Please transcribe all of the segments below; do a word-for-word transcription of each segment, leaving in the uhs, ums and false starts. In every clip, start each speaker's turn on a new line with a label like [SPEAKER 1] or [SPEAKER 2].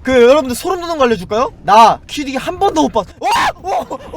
[SPEAKER 1] 그 여러분들 소름 돋는 거 알려줄까요? 나 퀴디기 한 번도 못 봤어. 와! 오! 오!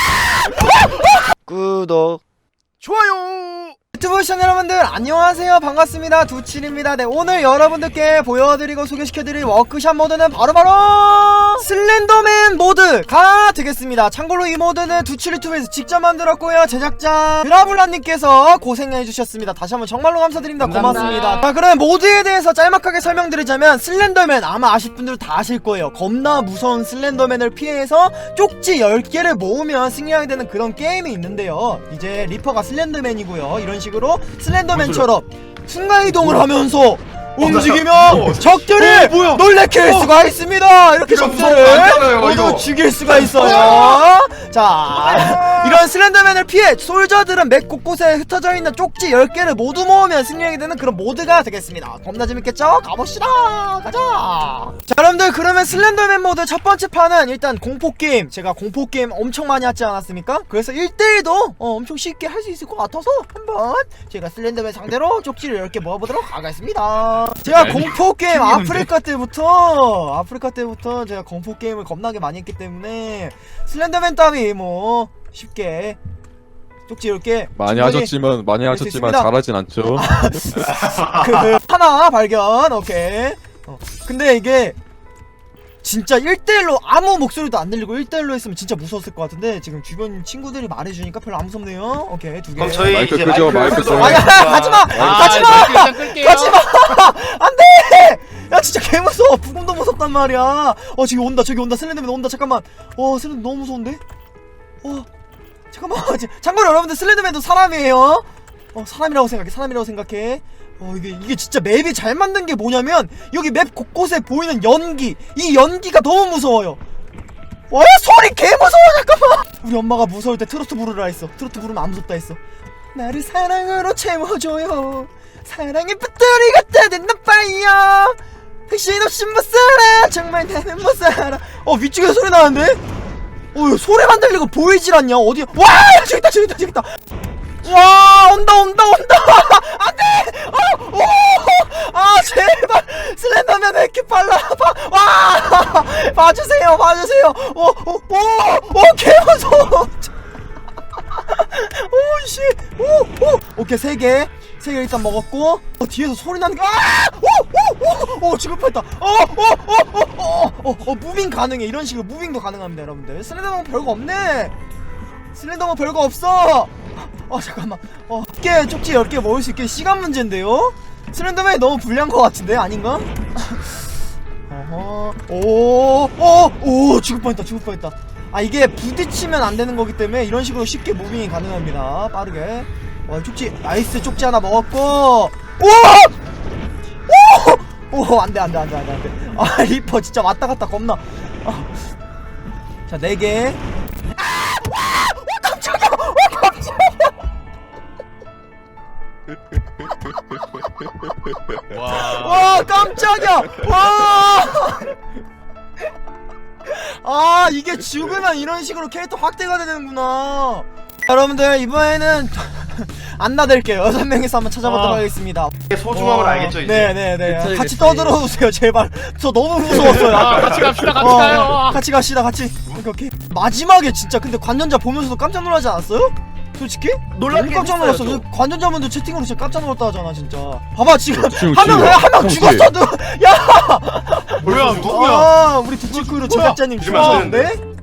[SPEAKER 1] 구독 좋아요. 유튜브 시청자 여러분들 안녕하세요, 반갑습니다. 두칠입니다. 네, 오늘 여러분들께 보여드리고 소개시켜드릴 워크샵 모드는 바로바로 슬렌더맨 모드가 되겠습니다. 참고로 이 모드는 두칠 유튜브에서 직접 만들었고요, 제작자 드라블라님께서 고생해주셨습니다. 다시 한번 정말로 감사드립니다. 고맙습니다. 자, 그럼 모드에 대해서 짤막하게 설명드리자면, 슬렌더맨 아마 아실 분들 다 아실 거예요. 겁나 무서운 슬렌더맨을 피해서 쪽지 열 개를 모으면 승리하게 되는 그런 게임이 있는데요, 이제 리퍼가 슬렌더맨이고요. 이런 식으로 슬렌더맨처럼 순간이동을 하면서 움직이면 어, 적들을 어, 놀래킬 어, 수가 있습니다. 이렇게 적들을 모두 죽일 수가 있어요. 자, 이런 슬렌더맨을 피해 솔저들은 맵 곳곳에 흩어져 있는 쪽지 열 개를 모두 모으면 승리하게 되는 그런 모드가 되겠습니다. 겁나 재밌겠죠? 가봅시다. 가자. 자, 여러분들, 그러면 슬렌더맨 모드 첫 번째 판은 일단 공포게임, 제가 공포게임 엄청 많이 하지 않았습니까? 그래서 일 대일도 어, 엄청 쉽게 할 수 있을 것 같아서 한번 제가 슬렌더맨 상대로 쪽지를 열 개 모아보도록 하겠습니다. 제가 공포게임 아프리카 때부터 아프리카 때부터 제가 공포게임을 겁나게 많이 했기 때문에 슬렌더맨 따위 뭐 쉽게 쪽지 이렇게
[SPEAKER 2] 많이 하셨지만 많이 하셨지만 잘하진 않죠.
[SPEAKER 1] 그, 그 하나 발견. 오케이. 어, 근데 이게 진짜 일 대일로 아무 목소리도 안 들리고 일 대일로 했으면 진짜 무서웠을 것 같은데, 지금 주변 친구들이 말해주니까 별로 안 무섭네요. 오케이, 두 개.
[SPEAKER 3] 그럼 저희
[SPEAKER 2] 마이크
[SPEAKER 3] 이제
[SPEAKER 2] 끄죠, 마이크 끄죠.
[SPEAKER 1] 아야, 가지마! 가지마! 가지마! 안돼! 야, 진짜 개무서워. 부금도 무섭단 말이야. 어, 저기 온다, 저기 온다. 슬렌더맨 온다. 잠깐만. 어, 슬렌더맨 너무 무서운데? 어, 잠깐만. 참고로 여러분들, 슬렌더맨도 사람이에요. 어, 사람이라고 생각해. 사람이라고 생각해. 어, 이게, 이게 진짜 맵이 잘 만든 게 뭐냐면, 여기 맵 곳곳에 보이는 연기, 이 연기가 너무 무서워요. 와, 소리 개 무서워. 잠깐만. 우리 엄마가 무서울 때 트로트 부르라 했어. 트로트 부르면 안 무섭다 했어. 나를 사랑으로 채워줘요. 사랑의 배터리가 다 됐나 봐요. 택시 없이 못 살아. 정말 나는 못 살아. 어, 위쪽에서 소리 나는데? 어, 소리만 들리고 보이질 않냐? 어디야? 와! 저기 있다, 저기 있다, 저기 있다. 와, 온다, 온다, 온다. 안 돼! 어, 오! 아, 제발! 슬렌더맨 왜 이렇게 빨라? 봐, 와! 봐주세요, 봐주세요. 오, 오, 오, 오, 개무서워. 오, 씨. 오, 오. 오케이, 세 개. 세 개 일단 먹었고. 어, 뒤에서 소리 나는 게, 아! 오, 오, 오, 오, 지금 뺐다. 어, 어, 어, 어, 어, 어, 어, 무빙 가능해. 이런 식으로 무빙도 가능합니다, 여러분들. 슬렌더맨 별거 없네. 슬렌더맨 별거 없어. 어, 잠깐만. 어, 개 쪽지 열 개 먹을 수 있게 시간 문제인데요? 슬렌더맨이 너무 불리한 것 같은데? 아닌가? 어허. 오, 오, 오, 죽을 뻔했다, 죽을 뻔했다. 아, 이게 부딪히면 안 되는 거기 때문에 이런 식으로 쉽게 무빙이 가능합니다. 빠르게. 와, 쪽지, 나이스. 쪽지 하나 먹었고. 오! 오! 오, 안 돼, 안 돼, 안 돼, 안 돼, 안 돼. 아, 리퍼 진짜 왔다 갔다 겁나. 어. 자, 네 개. 아! 와! 와, 깜짝이야! 와, 깜짝이야!
[SPEAKER 3] 와.
[SPEAKER 1] 와, 깜짝이야! 와! 아, 이게 죽으면 이런 식으로 캐릭터 확대가 되는구나. 여러분들, 이번에는 안 나댈게요. 여섯 명이서 한번 찾아보도록
[SPEAKER 3] 아.
[SPEAKER 1] 하겠습니다.
[SPEAKER 3] 소중함을 어, 알겠죠, 이제?
[SPEAKER 1] 네네네.
[SPEAKER 3] 그치,
[SPEAKER 1] 같이
[SPEAKER 3] 그치.
[SPEAKER 1] 떠들어주세요, 제발. 저 너무 무서웠어요.
[SPEAKER 4] 아, 같이 갑시다, 같이
[SPEAKER 1] 어,
[SPEAKER 4] 가요.
[SPEAKER 1] 같이 갑시다, 같이. 오케이, 오케이. 마지막에 진짜 근데 관전자 보면서도 깜짝 놀라지 않았어요? 솔직히?
[SPEAKER 3] 놀랍긴
[SPEAKER 1] 너무 깜짝 놀랐어.
[SPEAKER 3] 했어요,
[SPEAKER 1] 관전자분들 채팅으로 진짜 깜짝 놀랐다 하잖아, 진짜. 봐봐, 지금
[SPEAKER 2] 지금,
[SPEAKER 1] 한 명,
[SPEAKER 2] 지금.
[SPEAKER 1] 한 명
[SPEAKER 2] 형,
[SPEAKER 1] 죽었어, 누 야!
[SPEAKER 3] 뭐야, 누구야?
[SPEAKER 1] 아, 우리 두치크루 제작자님
[SPEAKER 3] 이러면 안
[SPEAKER 1] 죽었는데?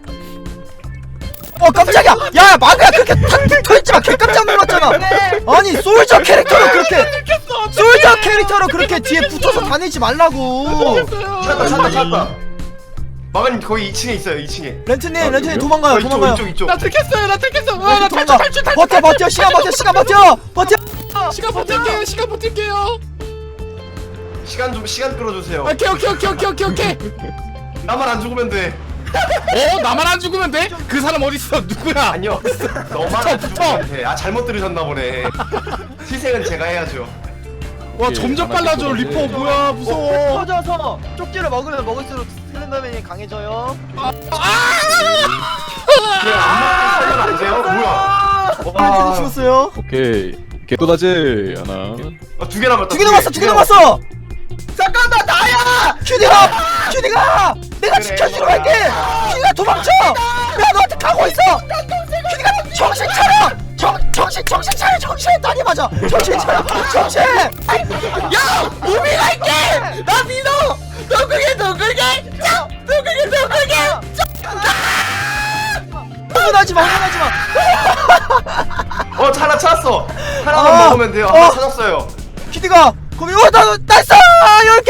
[SPEAKER 1] 어, 깜짝이야! 야, 야, 마그야, 그렇게 탁 털지마! 개 깜짝 놀랐잖아! 아니, 솔저 캐릭터로 그렇게, 솔저 캐릭터로 그렇게 뒤에 붙어서 다니지 말라고!
[SPEAKER 3] 찾았다, 찾았다, 찾았다. 마가님 거기 이 층에 있어요, 이 층에.
[SPEAKER 1] 렌트님,
[SPEAKER 2] 아,
[SPEAKER 1] 렌트님
[SPEAKER 2] 여기요?
[SPEAKER 1] 도망가요,
[SPEAKER 3] 어, 이쪽,
[SPEAKER 1] 도망가요.
[SPEAKER 3] 이쪽, 이쪽.
[SPEAKER 4] 나 들켰어요, 나 들켰어. 아, 나 탈출,
[SPEAKER 1] 도망가.
[SPEAKER 4] 탈출, 탈출.
[SPEAKER 1] 버텨, 버텨, 시간 버텨, 시간 버텨! 버텨!
[SPEAKER 4] 시간 버틸게요, 시간 버틸게요.
[SPEAKER 3] 시간 좀, 시간 끌어주세요.
[SPEAKER 4] 오케이, 오케이, 오케이, 오케이, 오케이, 오케이.
[SPEAKER 3] 나만 안 죽으면 돼.
[SPEAKER 4] 어, 나만 안 죽으면 돼? 그 사람 어디 있어? 누구야?
[SPEAKER 3] 아니요. 너만 안 죽으면 돼. 아, 잘못 들으셨나 보네. 희생은 제가 해야죠.
[SPEAKER 4] 와, 점점 빨라져. 리퍼 뭐야? 무서워.
[SPEAKER 1] 터져서 쪽지를 먹으면 먹을수록 슬렌더맨이 강해져요.
[SPEAKER 3] 그냥 안 먹으면 안 돼요? 뭐야?
[SPEAKER 1] 렌트님
[SPEAKER 3] 와.
[SPEAKER 1] 죽었어요.
[SPEAKER 2] 오케이. 개또다지 하나.
[SPEAKER 3] 아, 두 개 남았다.
[SPEAKER 1] 두 개 남았어, 두 개 남았어!
[SPEAKER 3] 잠깐만, 나야!
[SPEAKER 1] 큐디가! 큐디 큐디가 내가 지켜주러 갈게. 큐디가 도망쳐. 내가 너한테 가고 있어. 큐디가 정신 차려. 정 정신 정신 차려. 정신 다리 맞아. 정신 차려. 정신. 야 우미 갈게. 나 믿어. 누구게 누구게. 누구게 누구게. 흥분하지 마. 흥분하지 마.
[SPEAKER 3] 어 하나 찾았어. 하나만
[SPEAKER 1] 아,
[SPEAKER 3] 먹으면 돼요.
[SPEAKER 1] 어.
[SPEAKER 3] 하나 찾았어요.
[SPEAKER 1] 큐디가 거기 어나 났어 이렇게.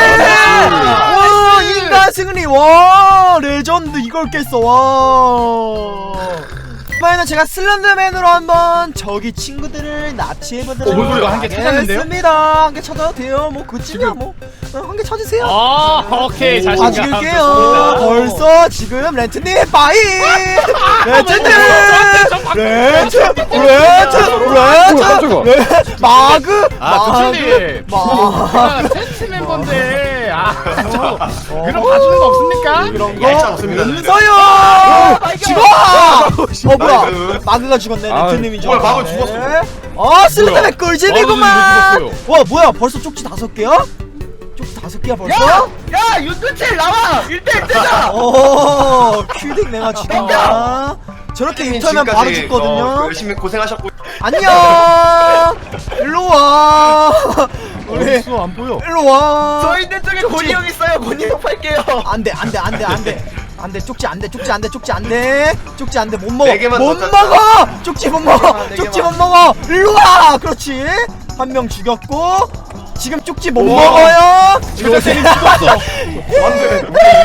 [SPEAKER 1] 와 인간 승리. 와 레전드 이걸 깼어. 와. 이번에는 제가 슬렌더맨으로 한번 저기 친구들을 납치해보도록
[SPEAKER 4] 어, 뭔 소리가 한개 찾았는데요?
[SPEAKER 1] 하겠습니다. 한 개 찾아도 돼요. 뭐 그쯤이야 뭐. 한 개 찾으세요.
[SPEAKER 4] 아 오케이
[SPEAKER 1] 아
[SPEAKER 4] 자신감
[SPEAKER 1] 죽일게요.
[SPEAKER 4] 좋습니다.
[SPEAKER 1] 벌써 지금 렌트님 빠이. 렌트님. 렌트. 렌트. 렌트. 렌트. 마그.
[SPEAKER 4] 아 도철님
[SPEAKER 1] 마그.
[SPEAKER 4] 텐트 멤버인데 아 저, 그럼 봐주는 거 없습니까?
[SPEAKER 1] 이런
[SPEAKER 3] 얄짤
[SPEAKER 1] 거
[SPEAKER 3] 없습니다.
[SPEAKER 1] 없어요. 죽어. 어 뭐야?
[SPEAKER 3] 나이스.
[SPEAKER 1] 마그가 죽었네.
[SPEAKER 2] 아,
[SPEAKER 1] 렌트님이
[SPEAKER 3] 뭐야, 마그
[SPEAKER 1] 죽었네. 어 슬래met 꿀잼이구만.
[SPEAKER 4] 마그 죽었어요.
[SPEAKER 1] 와 뭐야? 벌써 쪽지 다섯 개야? 쪽지 다섯 개야 벌써?
[SPEAKER 5] 야 윤두칠 나와 일 대 일 대다.
[SPEAKER 1] 오 큐딩 내가 죽인다. 저렇게 유턴하면 바로
[SPEAKER 3] 지금까지,
[SPEAKER 1] 죽거든요.
[SPEAKER 3] 어, 열심히 고생하셨고.
[SPEAKER 1] 안녕. 일로 와. 우리
[SPEAKER 4] 어딨어 안 보여.
[SPEAKER 1] 일로 와.
[SPEAKER 5] 저 있는 쪽에 권희 형 있어요. 권희 형 팔게요.
[SPEAKER 1] 안돼 안돼 안돼 안돼 안돼 쪽지 안돼 쪽지 안돼 쪽지 안돼 쪽지 안돼 못 먹어
[SPEAKER 3] 네 개만
[SPEAKER 1] 못
[SPEAKER 3] 더
[SPEAKER 1] 먹어 쪽지 못 먹어
[SPEAKER 5] 네
[SPEAKER 1] 쪽지
[SPEAKER 5] 개만.
[SPEAKER 1] 못 먹어 일로 와 그렇지 한 명 죽였고 지금 쪽지 못
[SPEAKER 3] 우와.
[SPEAKER 1] 먹어요
[SPEAKER 4] 조세님 죽었어.
[SPEAKER 3] 안돼.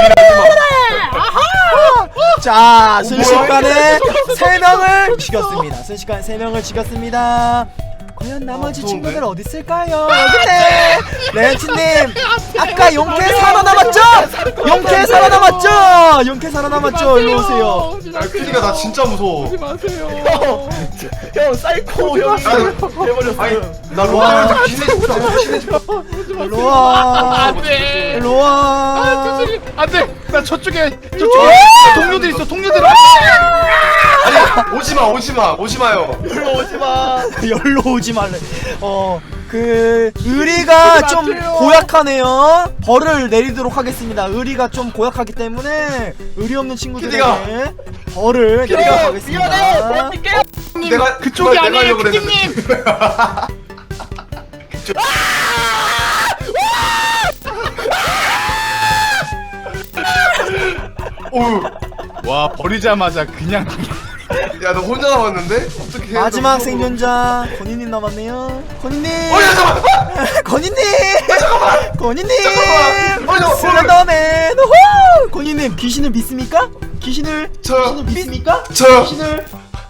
[SPEAKER 1] 자 순식간에 세 명을 죽였습니다 순식간에 세 명을 죽였습니다 과연 나머지
[SPEAKER 3] 아,
[SPEAKER 1] 친구들 어디 있을까요? 여기네 렌치님 아까 용케 살아남았죠? 용케 살아남았죠? 용케 살아남았죠? 일로 오세요
[SPEAKER 3] 야 큐디가 나 진짜 무서워.
[SPEAKER 5] 형 사이코 형이 해버렸어.
[SPEAKER 3] 아니 나 로아한테 귀신의 집부터 귀신의 집.
[SPEAKER 1] 일로 와
[SPEAKER 4] 안돼.
[SPEAKER 1] 일로 와
[SPEAKER 4] 안돼. 나 저쪽에 저쪽에 동료들 있어. 동료들.
[SPEAKER 3] 아니 오지마 오지마 오지마요.
[SPEAKER 5] 불러 오지 마.
[SPEAKER 1] 열로 오지 말래 어 그 의리가 좀 고약하네요 벌을 내리도록 하겠습니다 의리가 좀 고약하기 때문에 의리 없는 친구들에게 벌을 내리도록
[SPEAKER 5] 미안해.
[SPEAKER 1] 하겠습니다
[SPEAKER 5] 버틸게요.
[SPEAKER 3] 내가
[SPEAKER 4] 그쪽이
[SPEAKER 3] 내가
[SPEAKER 4] 아니에요,
[SPEAKER 3] 하려고 그랬는데.
[SPEAKER 4] 큐디님.
[SPEAKER 3] 오우.
[SPEAKER 4] 와 버리자마자 그냥
[SPEAKER 3] 야너 혼자 남았는데? 어떻게?
[SPEAKER 1] 마지막 생존자 건희님 남았네요 건희님
[SPEAKER 3] 어 야, 잠깐만.
[SPEAKER 1] 건희님 건희님
[SPEAKER 3] 잠깐만. 어, 저,
[SPEAKER 1] 슬렌더맨 호호! 건희님 귀신을 믿습니까? 귀신을
[SPEAKER 3] 저-
[SPEAKER 1] 귀신을 믿습니까?
[SPEAKER 3] 저.
[SPEAKER 1] 귀신을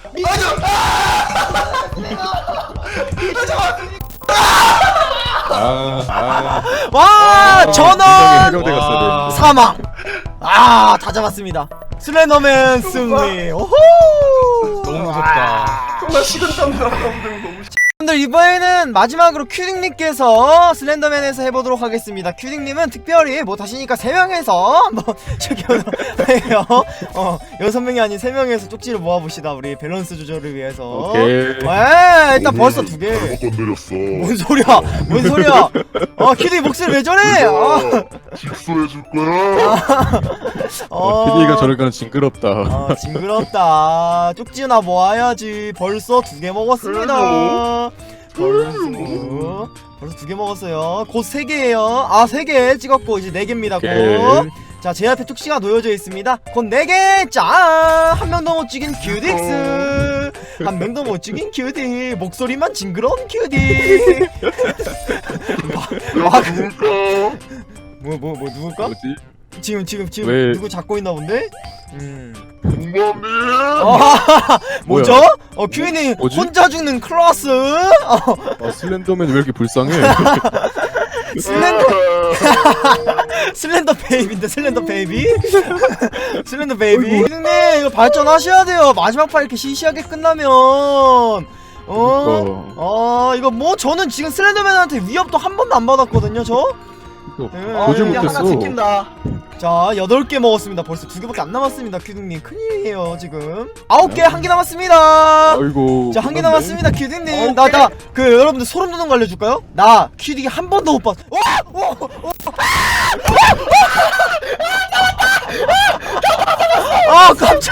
[SPEAKER 2] 아, 아,
[SPEAKER 1] 와
[SPEAKER 2] 어,
[SPEAKER 1] 전원
[SPEAKER 2] 해병대 갔어야 되는데.
[SPEAKER 1] 사망 아 다 잡았습니다 슬렌더맨 승리 오호
[SPEAKER 4] 너무 무섭다.
[SPEAKER 3] 정말 식은땀 나는데 너무.
[SPEAKER 1] 여러분들 이번에는 마지막으로 큐딩님께서 슬렌더맨에서 해보도록 하겠습니다. 큐딩님은 특별히 뭐 다시니까 세 명에서 한번 저기 해요. 어 여섯 명이 아닌 세 명에서 쪽지를 모아봅시다. 우리 밸런스 조절을 위해서.
[SPEAKER 2] 오케이.
[SPEAKER 1] 에 일단 벌써 두 개.
[SPEAKER 6] 건드렸어.
[SPEAKER 1] 뭔 소리야? 뭔 소리야? 어 큐딩 목소리 왜 저래? 어.
[SPEAKER 6] 직소해줄 거야.
[SPEAKER 1] 어.
[SPEAKER 2] 피디가 저럴 거는 징그럽다.
[SPEAKER 1] 아 징그럽다. 쪽지나 모아야지. 벌써 두 개 먹었습니다. 벌써 벌써 두 개 먹었어요. 곧 세 개예요. 아 세 개 찍었고 이제 네 개입니다. 곧.
[SPEAKER 2] 오케이.
[SPEAKER 1] 자 제 앞에 쪽지가 놓여져 있습니다. 곧 네 개. 짠! 한 명도 못 죽인 큐딕스. 한 명도 못 죽인 큐딕. 목소리만 징그러운 큐딕. 막
[SPEAKER 6] 누굴까?
[SPEAKER 1] 뭐 뭐 뭐 누굴까?
[SPEAKER 2] 뭐지?
[SPEAKER 1] 지금 지금 지금
[SPEAKER 2] 왜-
[SPEAKER 1] 누구 잡고 있나 본데? 음.
[SPEAKER 6] 공범이.
[SPEAKER 1] 어, 뭐죠?
[SPEAKER 2] 뭐야?
[SPEAKER 1] 어, 큐이님
[SPEAKER 2] 뭐지?
[SPEAKER 1] 혼자 죽는 클라스. 어,
[SPEAKER 2] 아, 슬렌더맨 왜 이렇게 불쌍해?
[SPEAKER 1] 슬렌더 슬렌더 베이비인데 슬렌더 베이비? 슬렌더 베이비. 큐이님 이거 발전하셔야 돼요. 마지막 판 이렇게 시시하게 끝나면 어,
[SPEAKER 2] 어.
[SPEAKER 1] 어 이거 뭐 저는 지금 슬렌더맨한테 위협도 한 번도 안 받았거든요, 저.
[SPEAKER 2] 이거
[SPEAKER 1] 네.
[SPEAKER 2] 보질
[SPEAKER 5] 이제 하나
[SPEAKER 2] 못했어.
[SPEAKER 5] 지킨다.
[SPEAKER 1] 자, 여덟 개 먹었습니다. 벌써 두 개밖에 안 남았습니다, 큐딩님. 큰일이에요, 지금. 아홉 개, 한 개 남았습니다.
[SPEAKER 2] 아이고.
[SPEAKER 1] 자, 한 개
[SPEAKER 2] 끝났네.
[SPEAKER 1] 남았습니다, 큐딩님.
[SPEAKER 5] 오케이.
[SPEAKER 1] 나, 나, 그, 여러분들 소름 돋는 거 알려줄까요? 나, 큐딩이 한 번도 못 봤어. 와! 와! 와!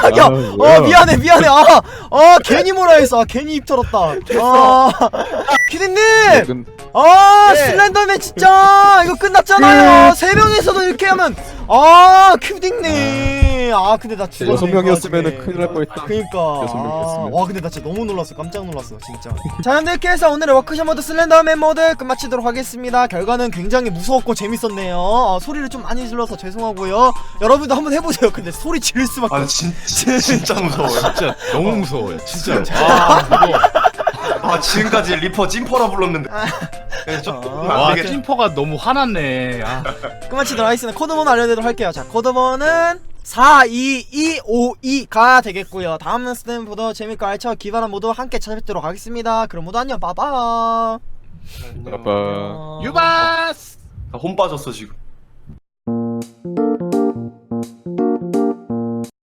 [SPEAKER 1] 깜짝이야.
[SPEAKER 2] 아,
[SPEAKER 1] 어
[SPEAKER 2] 뭐야.
[SPEAKER 1] 미안해 미안해. 아, 아 괜히 뭐라 했어. 아, 괜히 입 털었다. 아 피디님.
[SPEAKER 2] 근-
[SPEAKER 1] 아
[SPEAKER 5] 네.
[SPEAKER 1] 슬렌더맨 진짜 이거 끝났잖아요. 세 명이서도 이렇게 하면 아 큐딩님. 아 근데 나 죽었네.
[SPEAKER 2] 여섯
[SPEAKER 1] 그
[SPEAKER 2] 명이었으면은
[SPEAKER 1] 와중에.
[SPEAKER 2] 큰일 날 뻔했다.
[SPEAKER 1] 그니까
[SPEAKER 2] 여섯 명이었으면.
[SPEAKER 1] 아, 와 근데 나 진짜 너무 놀랐어. 깜짝 놀랐어 진짜. 자 여러분들 이렇게 해서 오늘의 워크숍 모드 슬렌더맨 모드 끝마치도록 하겠습니다. 결과는 굉장히 무서웠고 재밌었네요. 어, 소리를 좀 많이 질러서 죄송하고요. 여러분도 한번 해보세요. 근데 소리 지를 수밖에
[SPEAKER 3] 아
[SPEAKER 1] 없어.
[SPEAKER 3] 진, 진, 진짜 무서워요.
[SPEAKER 4] 진짜 너무 무서워요. 진짜. 아 이거
[SPEAKER 3] 아 지금까지 리퍼 찐퍼라 불렀는데. 네, 좀
[SPEAKER 4] 와
[SPEAKER 3] 안 되겠.
[SPEAKER 4] 찐퍼가 너무 화났네. 아.
[SPEAKER 1] 끝마치도록 하겠습니다. 코드번호 알려드리도록 할게요. 자 코드번호는 사 이 이 오 이가 되겠고요. 다음 스탠보다 재밌고 알차고 기발한 모두 함께 찾아뵙도록 하겠습니다. 그럼 모두 안녕 빠빠.
[SPEAKER 2] 아빠.
[SPEAKER 1] 어...
[SPEAKER 4] 유바스.
[SPEAKER 3] 혼 빠졌어 지금.